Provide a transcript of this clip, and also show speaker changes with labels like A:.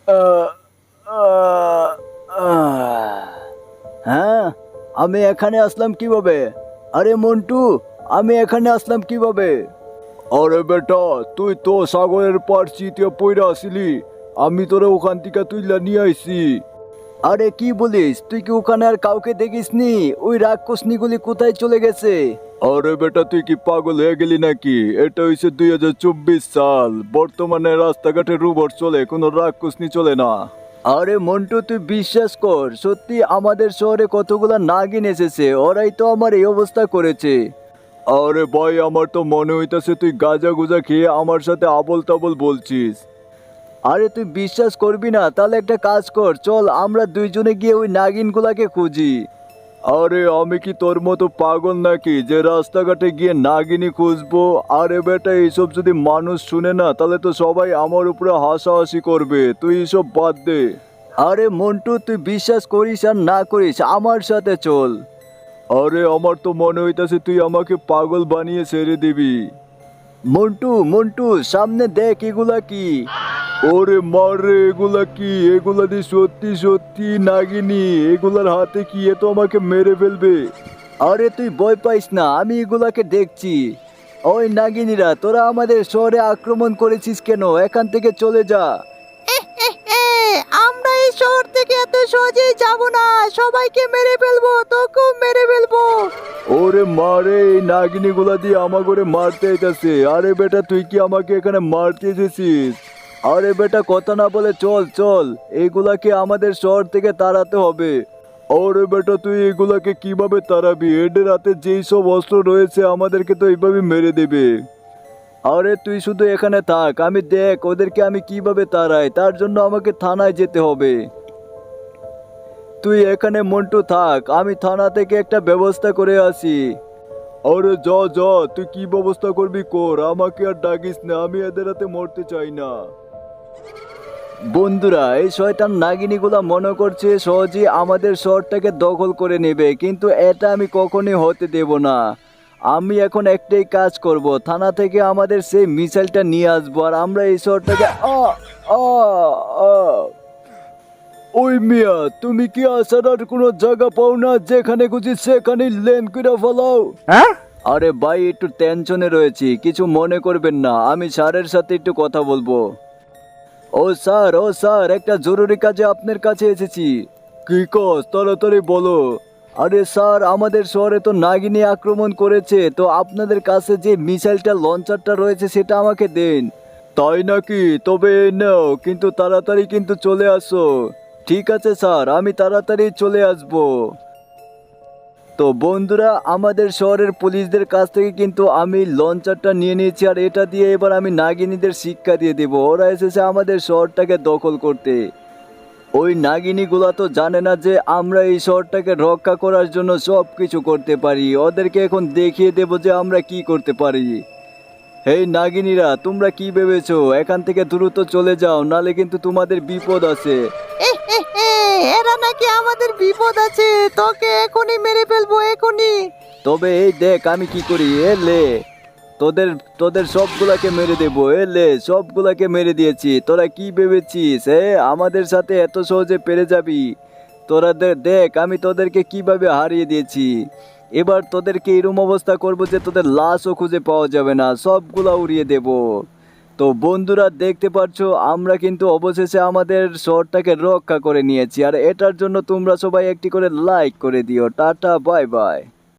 A: আহ, আহ, আহ। হ্যাঁ, আমি এখানে আসলাম কিভাবে? আরে মন্টু, আমি এখানে আসলাম কিভাবে? আরে বেটা, তুই তো সাগরের পার চিতিয়া পইরা আসিলি। আমি তোরে ওখান থেকে তুইলা নিয়ে আইছি। আরে কি বলিস, তুই কি ওখানে আর কাউকে দেখিসনি? ওই রাক্ষসনিগুলি কোথায় চলে গেছে? আরে বেটা, তুই কি পাগল হয়ে গেলি নাকি? এটা হইছে 2024 সাল। বর্তমানে রাস্তাঘাটে রোবট চলে, কোনো রাক্ষসনি চলে না। আরে মন্টু, তুই বিশ্বাস কর, সত্যি আমাদের শহরে কতগুলা নাগিন এসেছে, ওরাই তো আমার এই অবস্থা করেছে। আরে ভাই, আমার তো মনে হইতাছে তুই গাঁজা গুজা খেয়ে আমার সাথে আবল তাবল বলছিস। আরে তুই বিশ্বাস করবি না? তাহলে একটা কাজ কর, চল আমরা দুইজনে গিয়ে ওই নাগিনগুলাকে খুঁজি। আরে আমি কি তোর মতো পাগল নাকি যে রাস্তাঘাটে গিয়ে নাগিনী খুঁজবো? আরে বেটা, এইসব যদি মানুষ শুনে না তাহলে তো সবাই আমার উপরে হাসাহাসি করবে। তুই এসব বাদ দে। আরে মন্টু, তুই বিশ্বাস করিস আর না করিস, আমার সাথে চল। আরে আমার তো মনে হইতাছে তুই আমাকে পাগল বানিয়ে ছেড়ে দিবি। মন্টু মন্টু, সামনে দেখ, এগুলা কি? ওরে মারে, এগুলা কি? এগুলা দিয়ে সত্যি সত্যি নাগিনী। এগুলার হাতে কি? এ তো আমাকে মেরে ফেলবে। আরে তুই ভয় পাইস না, আমি এগুলাকে দেখছি। ওই নাগিনীরা, তোরা আমাদের শহরে আক্রমণ করেছিস কেন? এখান থেকে চলে যা।
B: আমরা এই শহর থেকে এত সহজেই যাব না, সবাইকে মেরে ফেলবো, তোকেও মেরে ফেলবো।
A: ওরে মারে, এই নাগিনী গুলা দিয়ে আমাকে মারতে আইতাছে। আরে বেটা, তুই কি আমাকে এখানে মারতে এসেছিস? আরে বেটা, কথা না বলে চল চল, এইগুলাকে আমাদের শহর থেকে তাড়াতে হবে। ওরে বেটা, তুই এগুলাকে কিভাবে তাড়াবি? এদের হাতে যেই সব অস্ত্র রয়েছে আমাদেরকে তো এইভাবে মেরে দেবে। আরে তুই শুধু এখানে থাক, আমি দেখ ওদেরকে আমি কিভাবে তাড়াই। তার জন্য আমাকে থানায় যেতে হবে। তুই এখানে মন্টু থাক, আমি থানা থেকে একটা ব্যবস্থা করে আসি। আরে যা যা, তুই কি ব্যবস্থা করবি কর, আমাকে আর ডাকিস না, আমি এদের হাতে মরতে চাই না। বন্ধুরা, এই শয়তান নাগিনীগুলা মনে করছে সহজেই আমাদের শহরটাকে দখল করে নেবে, কিন্তু এটা আমি কখনোই হতে দেব না। আমি এখন একটাই কাজ করব, থানা থেকে আমাদের সেই মিসাইলটা নিয়ে আসবো, আর আমরা এই শহরটাকে আ আ ওই মিয়া, তুমি কি আসার আর কোনো জায়গা পাও না? যেখানে খুঁজি সেখানে লেন করে ফেলাও।
B: হ্যাঁ,
A: আরে ভাই, একটু টেনশনে রয়েছি, কিছু মনে করবেন না, আমি স্যারের সাথে একটু কথা বলবো। ও স্যার, একটা জরুরি কাজে আপনার কাছে এসেছি। কি কাজ? তাড়াতাড়ি বলো। আরে স্যার, আমাদের শহরে তো নাগিনী আক্রমণ করেছে, তো আপনাদের কাছে যে মিসাইলটা লঞ্চারটা রয়েছে সেটা আমাকে দেন। তাই নাকি? তবে এই নাও, কিন্তু তাড়াতাড়ি কিন্তু চলে আসো। ঠিক আছে স্যার, আমি তাড়াতাড়ি চলে আসবো। তো বন্ধুরা, আমাদের শহরের পুলিশদের কাছ থেকে কিন্তু আমি লঞ্চারটা নিয়ে নিয়েছি, আর এটা দিয়ে এবার আমি নাগিনীদের শিক্ষা দিয়ে দেব। ওরা এসেছে আমাদের শহরটাকে দখল করতে। ওই নাগিনীগুলা তো জানে না যে আমরা এই শহরটাকে রক্ষা করার জন্য সব কিছু করতে পারি। ওদেরকে এখন দেখিয়ে দেব যে আমরা কি করতে পারি। এই নাগিনীরা, তোমরা কি ভেবেছো? এখান থেকে দ্রুত চলে যাও, নালে কিন্তু তোমাদের বিপদ আছে।
B: এরা নাকি আমাদের বিপদ আছে, তোকে এখনই মেরে ফেলবো, এখনই।
A: তবে এই দেখ আমি কি করি। এ লে, তোদের তোদের সবগুলাকে মেরে দেবো। এ লে, সবগুলাকে মেরে দিয়েছি। তোরা কি ভেবেছিস আমাদের সাথে এত সহজে পেরে যাবি? তোরা দেখ আমি তোদেরকে কিভাবে হারিয়ে দিয়েছি। এবার তোদেরকে এরম অবস্থা করবো যে তোদের লাশও খুঁজে পাওয়া যাবে না, সবগুলা উড়িয়ে দেব। তো বন্ধুরা, দেখতে পাচ্ছ আমরা কিন্তু অবশেষে আমাদের শহরটাকে রক্ষা করে নিয়েছি, আর এটার জন্য তোমরা সবাই একটি করে লাইক করে দিও। Tata, bye by.